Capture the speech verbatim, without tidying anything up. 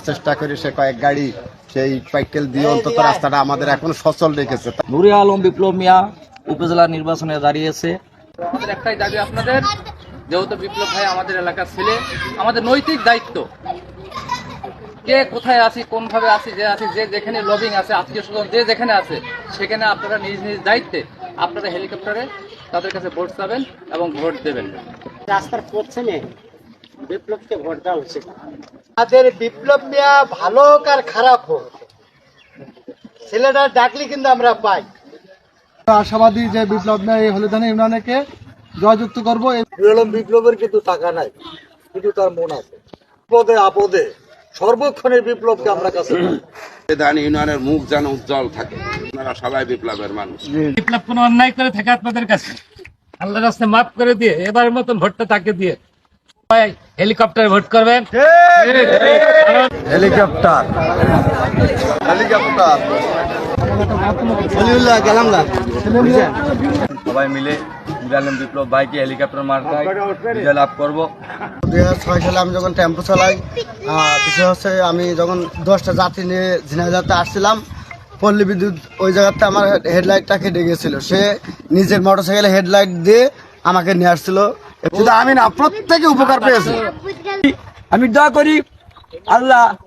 চেষ্টা করে সে কয়েক গাড়ি সেই পাইকেল দিয়ে অন্তত রাস্তাটা আমাদের এখন সচল রেখেছে। নুরে আলম বিপ্লব মিয়া উপজেলা নির্বাচনে দাঁড়িয়েছে। আমাদের একটাই দাবি আপনাদের, যেহেতু বিপ্লব ভাই আমাদের এলাকার ছেলে, আমাদের নৈতিক দায়িত্ব কে কোথায় আছি, কোনভাবে আছি, যে আছি, যে যেখানে লবিং আছে, আত্মীয় স্বজন যে যেখানে আছে, সেখানে আপনারা নিজ নিজ দায়িত্বে আপনারা হেলিকপ্টারে তাদের কাছে ভোট চাবেন এবং ভোট দেবেন। রাস্তার পশ্চিমে বিপ্লবকে ভোট দেওয়া উচিত। আমাদের বিপ্লব মিয়া ভালো হোক আর খারাপ হোক, ছেলেটা ডাকলে কিন্তু আমরা পাই। আশাবাদী যে বিপ্লব মিয়া এই হলিদানি ইউনিয়নকে জয়যুক্ত করবো। বিপ্লবের কিন্তু টাকা নাই, কিন্তু তার মন আছে। বিপদে আপদে সর্বক্ষণের বিপ্লবকে আমরা কাছে হলিদানি ইউনিয়নের মুখ যেন উজ্জ্বল থাকে। আপনারা সবাই বিপ্লবের মানুষ। বিপ্লব কোনো অন্যায় করে থাকে আপনাদের কাছে, আল্লাহর রাস্তায় মাফ করে দিয়ে এবারের মতন ভোটটা তাকে দিয়ে হেলিকপ্টারে ভোট করবেন। হেলিকপ্টার হেলিকপ্টার গেলাম না। সবাই মিলে আলম বিপ্লব ভাইকে হেলিকপ্টার মার্কায় বিজয় লাভ করবো। দুই হাজার ছয় সালে আমি যখন টেম্পো চালাই, বিষয় হচ্ছে আমি যখন দশটা যাত্রী নিয়ে ঝিনাইদহতে আসছিলাম, পল্লী বিদ্যুৎ ওই জায়গাতে আমার হেডলাইটটা কেটে গিয়েছিল। সে নিজের মোটরসাইকেলে হেডলাইট দিয়ে আমাকে নিয়ে আসছিল। আমি না, প্রত্যেকে উপকার পেয়েছে। আমি দোয়া করি আল্লাহ